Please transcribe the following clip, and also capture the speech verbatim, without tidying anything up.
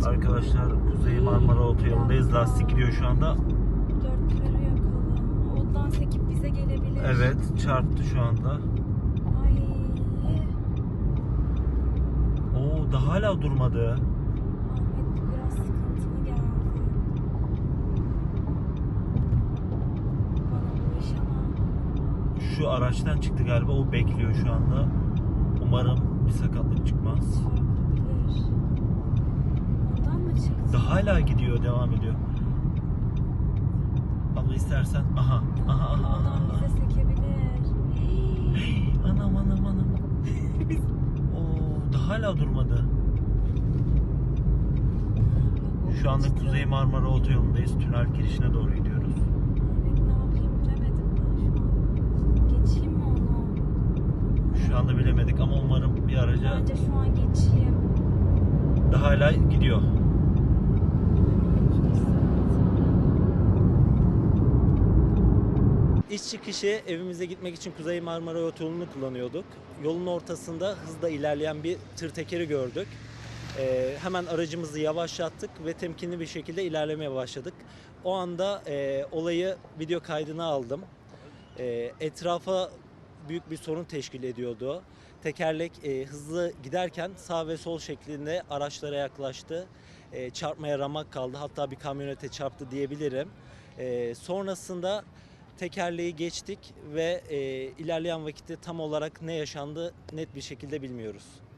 Arkadaşlar Kuzey Marmara Otoyolu'ndayız. Lastik gidiyor şu anda. Dörtleri yakalım. Ondan sekip bize gelebilir. Evet, çarptı şu anda. Ay. Oo, daha hala durmadı. Ahmet biraz sıkıntılı geldi. Bana bu iş ama. Şu araçtan çıktı galiba. O bekliyor şu anda. Umarım bir sakatlık çıkmaz. Çarpabilir. Ondan mı çıktı? Daha hala gidiyor, devam ediyor. Abla istersen. Aha, aha, aha, aha. Ondan bize sekebilir. Hey, anam anam anam. Oo, daha hala durmadı. Şu anda Kuzey Marmara Otoyolu'ndayız. Tünel girişine doğru gidiyoruz. Ahmet ne yapayım bilemedim ben şu an. Geçeyim mi onu? Şu anda bilemedik ama umarım bir araca Bence şu an geçeyim. daha hala gidiyor. İş çıkışı evimize gitmek için Kuzey Marmara Otoyolu'nu kullanıyorduk. Yolun ortasında hızla ilerleyen bir tır tekeri gördük. Ee, hemen aracımızı yavaşlattık ve temkinli bir şekilde ilerlemeye başladık. O anda e, olayı video kaydına aldım. E, etrafa büyük bir sorun teşkil ediyordu. Tekerlek e, hızlı giderken sağ ve sol şeklinde araçlara yaklaştı. E, çarpmaya ramak kaldı. Hatta bir kamyonete çarptı diyebilirim. E, sonrasında tekerleği geçtik ve e, ilerleyen vakitte tam olarak ne yaşandı net bir şekilde bilmiyoruz.